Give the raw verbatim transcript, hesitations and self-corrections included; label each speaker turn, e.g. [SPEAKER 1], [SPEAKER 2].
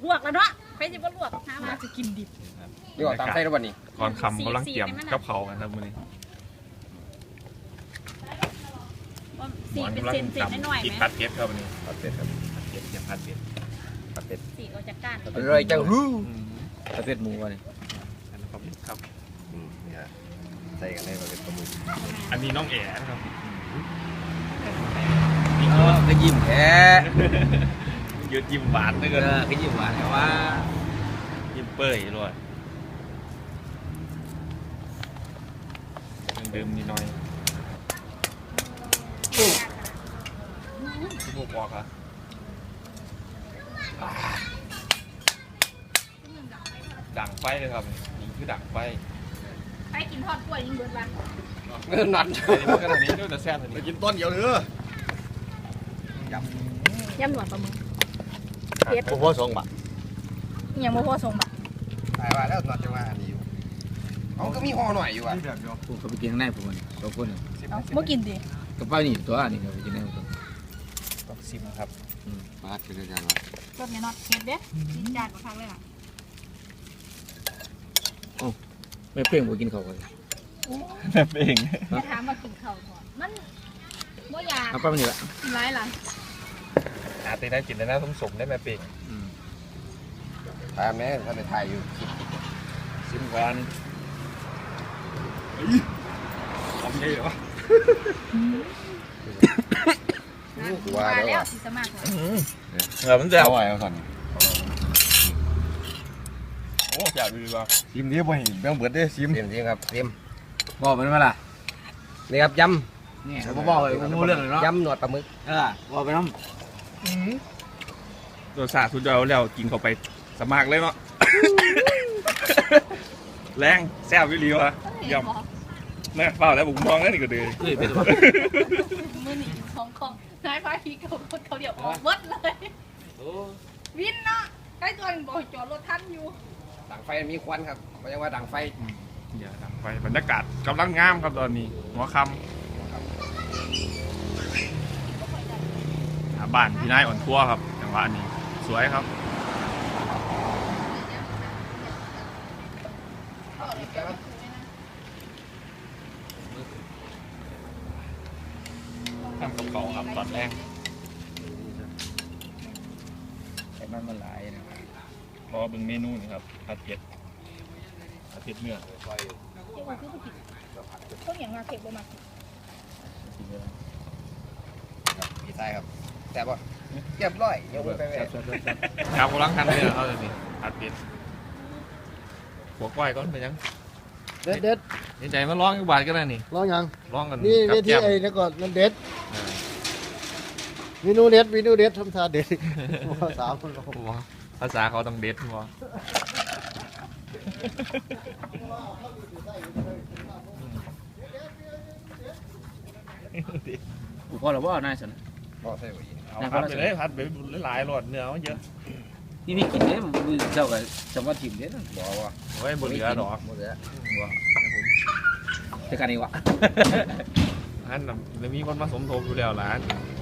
[SPEAKER 1] ลวกแล้วเนาะใครจะบ่ลวกหามาจะกินดิบ
[SPEAKER 2] เดี๋ยวตามไส้แล้ววันนี้
[SPEAKER 3] ก่อนคำกำลังเตรียมกับเขากันครับมื้อนี้
[SPEAKER 1] สีเป็นเส้นเส้นน้อยๆไหม
[SPEAKER 3] ผัดเผ็ดครับวันนี้
[SPEAKER 2] ผัดเผ็ดครับ
[SPEAKER 3] ผัดเผ็ดเตรียมผัดเผ็ด
[SPEAKER 2] ผัดเผ็ด
[SPEAKER 1] สีก็จะก้าน
[SPEAKER 2] อร่อยจังฮู้ผัดเผ็ดหมูวันนี้
[SPEAKER 3] อันนี้ครับ
[SPEAKER 2] อืมเนี่ยใส่กันให้ผัดเผ็ดหมู
[SPEAKER 3] อันนี้น้องแอ๋นะครับ
[SPEAKER 2] เออก็ยิ้มแท้
[SPEAKER 3] ยืดยิ้มหวานด้วยกัน
[SPEAKER 2] เออก็ยิ้มหวานแต่ว่า
[SPEAKER 3] ยิ้มเปื่อยเลยดื่มนิดหน่อยที่พวกบอกครับดังไฟเลยครับนี่คือดังไฟ
[SPEAKER 1] ไปกินทอดกล้วยยิ่งเบิดวัน
[SPEAKER 2] เงินนัด
[SPEAKER 3] นี่มันก็ตัวนี้ด้วยแต่แซ่บตัวนี้
[SPEAKER 2] กินต้นเดียวเนื้อย
[SPEAKER 1] ำยำหนวดปลาหมึก
[SPEAKER 2] เผ็ดพ่อส่งบะ
[SPEAKER 1] ยังไม่พอส่งบะ
[SPEAKER 2] ตายว่าแล้วนัดจะว่าอันนี้อยู่เขาก็มีห่อหน่อยอยู่อ่ะ
[SPEAKER 4] ผมเขาไปกินข้างในผมสองคน
[SPEAKER 1] เมื่อกินดิ
[SPEAKER 4] กระเป๋านี่ตัวนี่เขาไปกินได้หมด
[SPEAKER 3] ต้องซิมครับ
[SPEAKER 4] มาดเป็นอาจารย์ว่าร
[SPEAKER 1] สเนี่ยนอดเผ็ดเด้กินจานกว่าครั้งเลยอ่ะ
[SPEAKER 4] โอ้ไม่เปรี้ยงผมกินเขาเลย
[SPEAKER 3] แม่เอง
[SPEAKER 1] จะถามมากินข้าวก่อนมันบ่อยาก
[SPEAKER 4] เอาไปมันนี่ละ
[SPEAKER 1] ร้ายหลัง
[SPEAKER 3] อาตีได้กินได้นะสมสมได้แม่เป่ง
[SPEAKER 2] ทายแม่ท่านในไทยอยู่
[SPEAKER 3] ซิมกันทำได้เหรอ
[SPEAKER 1] ว่าแล้วสิสมัคร
[SPEAKER 3] เออมันจะ
[SPEAKER 2] อร่อยเอาสั่น
[SPEAKER 3] โอ้อยากดูว่า
[SPEAKER 2] ซิมนี้บ่เห็นแบงเบิดได้ซิมซิมซิมครับซิม
[SPEAKER 4] บอกมันมาล่ะ
[SPEAKER 2] นี่ครับย
[SPEAKER 4] ำนี่ผมบอกเลยผมรู้เรื่องเลยเนาะ
[SPEAKER 2] ยำหนวดปลาหมึก
[SPEAKER 4] เออบอกไปน้ำ
[SPEAKER 3] ตัวสาสุดยอดแล้วกินเข้าไปสมัครเลยเนาะแรงแซ่บวิลีวะยำแม่เปล่าแล้วผมมองแล้วนี่ก็ดี
[SPEAKER 4] เฮ้ยเป็น
[SPEAKER 1] มือหนีของของนายพาพีเขาเขาเดี๋ยวออกวัดเลยวินเนาะใกล้ตัวบอกจอดรถทันอยู่
[SPEAKER 2] ดังไฟมีควันครับเขาเรียกว่าดังไฟ
[SPEAKER 3] อย่าดังไฟบรรยากาศกำลังงามครับตอนนี้หัวค่ำบ้านพี่นายอ่อนทั่วครับจังหวะนี้สวยครับทำกับเขาครับตอนแรก
[SPEAKER 4] ไอ้มันมันหลายนะครับ
[SPEAKER 3] รอเป็นเมนูนี่ครับผัดเผ็ดผัดเผ็ดเนื้อ
[SPEAKER 1] ต้นอย่างมาเก็บบ่มา
[SPEAKER 2] ดีไซน์ครับแต่ว่าเรียบร้อยยกไปไป
[SPEAKER 3] ครับกำลังทำเลยเขาเลยนี่ผัดเผ็ดหัวก้อยก้อนไปยัง
[SPEAKER 4] เด็ดเด็ด
[SPEAKER 3] นี่ใจมาร้องกับบาทก็ได้นี่
[SPEAKER 4] ร้องยัง
[SPEAKER 3] ร้องกัน
[SPEAKER 4] นี่เวทีไอ้นี่ก่อนมันเด็ดวินูเด็ดวินูเด็ดทำท่าเด็ดภาษาคนเขา
[SPEAKER 3] ภาษาเขาต้องเด็ดมั้ง
[SPEAKER 4] กูพอหรือว่านายสัน
[SPEAKER 2] พอใช่ไหม
[SPEAKER 3] เอาผัดไปเลยผัดไปหลายหลอดเนื้อมันเยอะ
[SPEAKER 4] นี่พี่กินเนี่ยมือเจ้ากับจังหวัดถิ่นเนี่ย
[SPEAKER 2] บอกว่า
[SPEAKER 3] โอ้ยบนเหลือหรอ
[SPEAKER 2] หมดแล้ว
[SPEAKER 3] ว่า
[SPEAKER 4] จะกันนี่วะ
[SPEAKER 3] อันนั้นมีคนมาสมทบอยู่แล้วหลาน